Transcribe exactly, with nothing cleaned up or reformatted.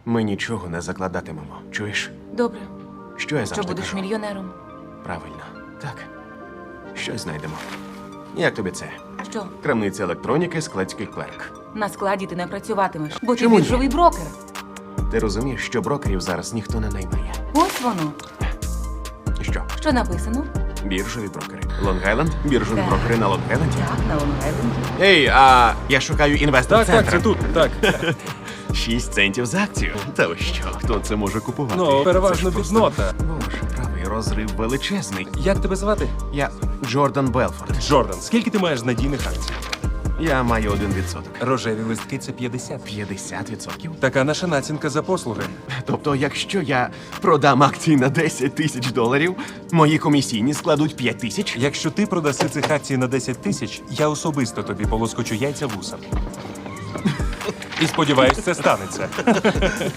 Ми нічого не закладатимемо. Чуєш? Добре. Що я Що завжди будеш кажу? мільйонером? Правильно. Так. Щось знайдемо. Як тобі це? Що? Крамниця електроніки, складський клерк. На складі ти не працюватимеш, бо ти Чому ні? біржовий брокер. Ти розумієш, що брокерів зараз ніхто не наймає. Ось воно. Що? Що написано? Біржові брокери. Лонг-Айленд? Біржові Так. брокери на Лонг-Айленді? Так, на Лонг-Айленді. Ей, а я шукаю інвестор Так, так, це тут, так. Шість центів за акцію. Та ви що, хто це може купувати? Ну, переважно Це ж просто- біднота. Боже, правий розрив величезний. Як тебе звати? Я Джордан Белфорд. Джордан. Скільки ти маєш надійних акцій? Я маю один відсоток. Рожеві листки це п'ятдесят. П'ятдесят відсотків? Така наша націнка за послуги. Тобто, якщо я продам акції на десять тисяч доларів, мої комісійні складуть п'ять тисяч? Якщо ти продаси цих акцій на десять тисяч, я особисто тобі полоскочу яйця вусам. І сподіваюсь, це станеться.